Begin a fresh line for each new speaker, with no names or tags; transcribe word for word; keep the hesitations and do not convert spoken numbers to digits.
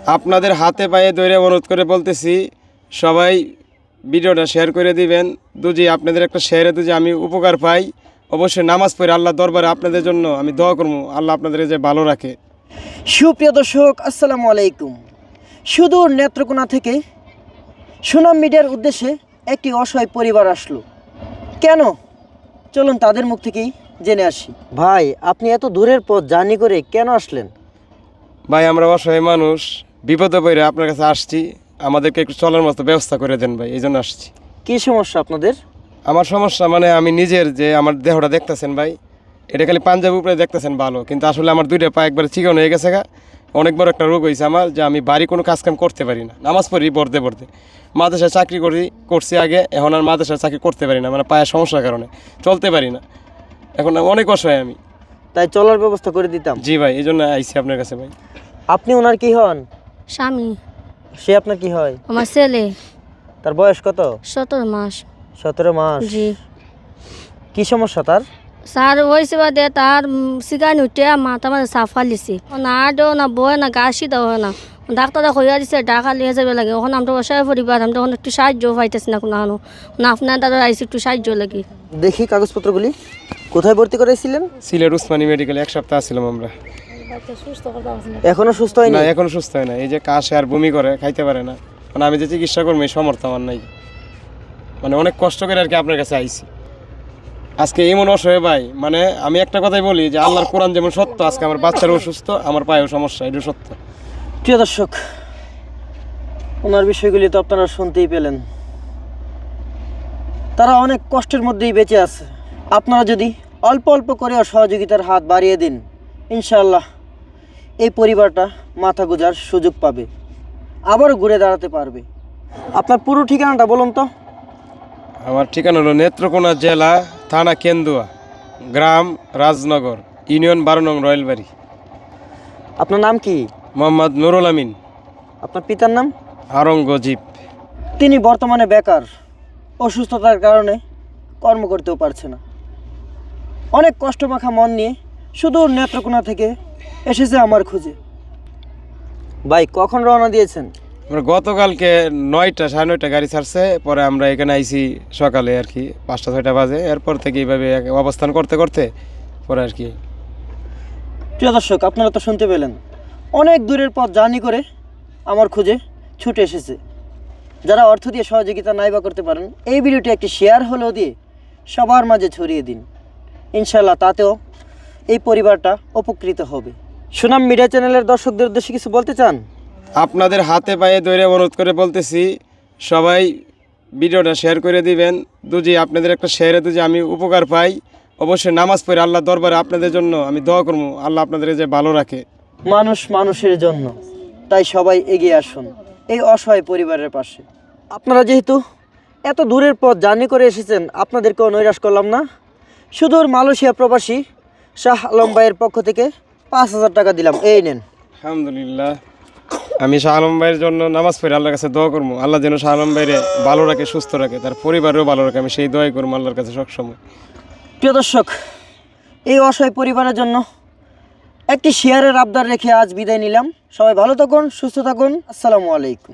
আপনাদের হাতে পায়ে ধরে অনুরোধ করে বলতেছি, সবাই ভিডিওটা শেয়ার করে দিবেন। দুজি আপনাদের একটা শেয়ারে দুজি আমি উপকার পাই, অবশ্যই নামাজ পড়ে আল্লাহ দরবারে আপনাদের জন্য আমি দোয়া করবো, আল্লাহ আপনাদের যে ভালো রাখে।
সুপ্রিয় দর্শক, আসসালামু আলাইকুম। সুদূর নেত্রকোনা থেকে সুনাম মিডিয়ার উদ্দেশ্যে একটি অসহায় পরিবার আসলো। কেন, চলুন তাদের মুখ থেকেই জেনে আসি। ভাই, আপনি এত দূরের পথ জার্নি করে কেন আসলেন?
ভাই, আমরা অসহায় মানুষ, বিপদে পড়ে আপনার কাছে আসছি, আমাদেরকে একটু চলার মতো ব্যবস্থা করে দেন ভাই, এই জন্য আসছি।
কী সমস্যা আপনাদের?
আমার সমস্যা মানে আমি নিজের যে আমার দেহটা দেখতেছেন ভাই, এটা খালি পাঞ্জাবি উপরে দেখতেছেন ভালো, কিন্তু আসলে আমার দুইটা পা একবার চিকন হয়ে গেছে গা। অনেক বড় একটা রোগ হয়েছে আমার, যে আমি বাড়ি কোনো কাজকাম করতে পারি না। নামাজ পড়ি পড়তে পড়তে, মাদ্রাসায় চাকরি করি করছি আগে, এখন আর মাদ্রাসায় চাকরি করতে পারি না, মানে পায়ের সমস্যার কারণে চলতে পারি না। এখন অনেক অসহায় আমি।
তাই চলার ব্যবস্থা করে দিতাম।
জি ভাই, এই জন্য আইসি আপনার কাছে ভাই।
আপনি ওনার কি হন?
স্বামী।
সে আপনার কি হয়?
আমার ছেলে।
তার বয়স কত?
সতেরো মাস।
সতেরো মাস।
জি।
কি সমস্যা তার?
স্যার হয়েছে বাদে তার সিগানি উঠে মাথা মাঝে সাফ ফালিছে, না আডো না বয় না গা সিধা হয় না। ডাক্তার হইয়া দিছে ঢাকা লিয়ে যাবে লাগে। ওখানে আমরা অসহায় পরিবার, আমরা তখন একটু সাহায্য পাইতেছি না কোনো হানো না। আপনার দাদা আইসি একটু সাহায্য লাগে।
দেখি কাগজপত্রগুলি। কোথায় ভর্তি করেছিলেন?
সিলেট উসমানী মেডিকেলে এক সপ্তাহ আসছিলাম আমরা।
এখনো সুস্থ হয়নি?
না, এখনো সুস্থ হয় না। এই যে কাশে আর বমি করে, খাইতে পারে না। মানে আমি যে চিকিৎসা করবো এই সমর্থ আমার নাই, মানে অনেক কষ্ট করে আর কি আপনার কাছে আইছি আজকে। এমন অসহায় ভাই, মানে আমি একটা কথাই বলি যে আল্লাহর কোরআন যেমন সত্য, আজকে আমার বাচ্চারও অসুস্থ, আমার পায়েও সমস্যা, এটা সত্য।
প্রিয় দর্শক, ওনার বিষয়গুলি তো আপনারা শুনতেই পেলেন। তারা অনেক কষ্টের মধ্যেই বেঁচে আছে। আপনারা যদি অল্প অল্প করেও সহযোগিতার হাত বাড়িয়ে দিন, ইনশাআল্লাহ এই পরিবারটা মাথা গোঁজার সুযোগ পাবে, আবারও ঘুরে দাঁড়াতে পারবে। আপনার পুরো ঠিকানাটা বলুন তো।
আমার ঠিকানা হলো নেত্রকোনা জেলা, থানা কেন্দুয়া, গ্রাম রাজনগর, ইউনিয়ন বারো নং রয়েলবাড়ি।
আপনার নাম কি?
মোহাম্মদ নুরুল আমিন।
আপনার পিতার নাম?
আওরঙ্গজীব।
তিনি বর্তমানে বেকার, অসুস্থতার কারণে কর্ম করতেও পারছে না। অনেক কষ্টমাখা মন নিয়ে সুদূর নেত্রকোনা থেকে এসেছে আমার খোঁজে। ভাই, কখন রওনা দিয়েছেন?
আমরা গতকালকে নয়টা সাড়ে নয়টা গাড়ি ছাড়ছে, পরে আমরা এখানে আইছি সকালে আর কি পাঁচটা ছয়টা বাজে। এরপর থেকে এইভাবে অবস্থান করতে করতে পরে আর কি।
প্রিয় দর্শক, আপনারা তো শুনতে পেলেন, অনেক দূরের পথ জার্নি করে আমার খোঁজে ছুটে এসেছে। যারা অর্থ দিয়ে সহযোগিতা নাইবা করতে পারেন, এই ভিডিওটি একটি শেয়ার হলেও দিয়ে সবার মাঝে ছড়িয়ে দিন। ইনশাল্লাহ তাতেও এই পরিবারটা উপকৃত হবে। সুনাম মিডিয়া চ্যানেলের দর্শকদের উদ্দেশ্যে কিছু বলতে চান?
আপনাদের হাতে পায়ে ধরে অনুরোধ করে বলতেছি, সবাই ভিডিওটা শেয়ার করে দিবেন। দুজি আপনাদের একটা শেয়ারে দুজি আমি উপকার পাই, অবশ্যই নামাজ পড়ে আল্লাহ দরবারে আপনাদের জন্য আমি দোয়া করবো, আল্লাহ আপনাদের যে ভালো রাখে।
মানুষ মানুষের জন্য, তাই সবাই এগিয়ে আসুন এই অসহায় পরিবারের পাশে। আপনারা যেহেতু এত দূরের পথ জার্নি করে এসেছেন, আপনাদেরকেও নৈরাশ করলাম না। সুদূর মালয়েশিয়া প্রবাসী শাহ আলম ভাইয়ের পক্ষ থেকে পাঁচ হাজার টাকা দিলাম, এই নেন।
আলহামদুলিল্লাহ। আমি শাহ আলম ভাইয়ের জন্য নামাজ পড়ে আল্লাহর কাছে দোয়া করবো, আল্লাহ যেন শাহ আলম ভাইরে ভালো রাখে, সুস্থ রাখে, তার পরিবারেও ভালো রাখে, আমি সেই দোয়াই করবো আল্লাহর কাছে সবসময়।
প্রিয় দর্শক, এই অসহায় পরিবারের জন্য একটি শেয়ারের আবদার রেখে আজ বিদায় নিলাম। সবাই ভালো থাকুন, সুস্থ থাকুন। আসসালামু আলাইকুম।